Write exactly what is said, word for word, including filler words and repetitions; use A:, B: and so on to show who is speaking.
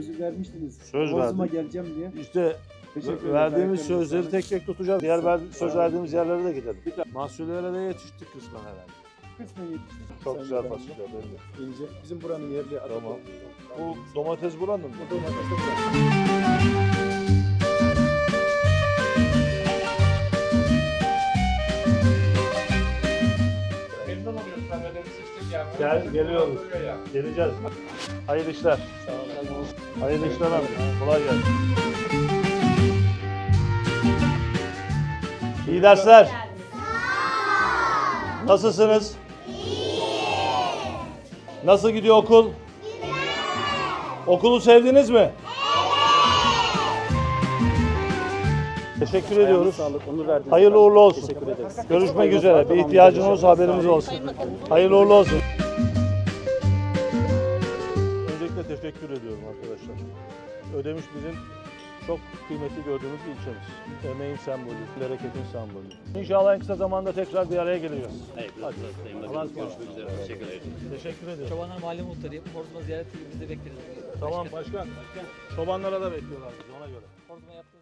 A: sözü vermiştiniz.
B: Söz
A: Bozuma
B: verdim.
A: geleceğim diye.
B: İşte
A: Teşekkür ederim.
B: verdiğimiz
A: Ayaklarınıza
B: sözleri
A: sağlık.
B: tek tek tutacağız. Diğer ver, söz verdiğimiz yerlere de gidelim. Mahsullere de yetiştik kısmen herhalde.
A: Kısmen yetiştik.
B: Çok
A: Sayın
B: güzel
A: Bakanım.
B: fasulye belli.
A: İnce. Bizim buranın yerli adı.
B: Tamam. Bu domates buranın mı?
A: Bu domates de buranın.
C: Memnun oluyoruz tanıdığımız için yani.
B: Gel, geliyoruz. Geleceğiz. Hayırlı işler.
A: Sağ olun.
B: Hayırlı işler abi. Kolay gelsin. İyi dersler. Nasılsınız? Nasıl gidiyor okul? Okulu sevdiniz mi? Teşekkür ediyoruz.
A: Sağlık, onur verdiniz.
B: Hayırlı uğurlu olsun.
A: Teşekkür ederiz.
B: Görüşmek üzere. Bir ihtiyacın olursa haberimiz olsun. Hayırlı uğurlu olsun. Öncelikle teşekkür ediyorum arkadaşlar. Ödemiş bizim çok kıymetli gördüğümüz bir ilçemiz. Emeğin sembolü, bereketin sembolü. İnşallah en kısa zamanda tekrar bir araya geleceğiz.
D: Evet,
B: Hadi.
D: Allah'a görüşmek üzere. Teşekkür ederim.
B: Teşekkür ederim.
E: Çobanlar Mahalle Muhtarıyım. Horzuma ziyaret edip biz de bekleriz.
B: Tamam başkan. Çobanlara da bekliyorlar bizi ona göre.
E: Horzuma yaptığınız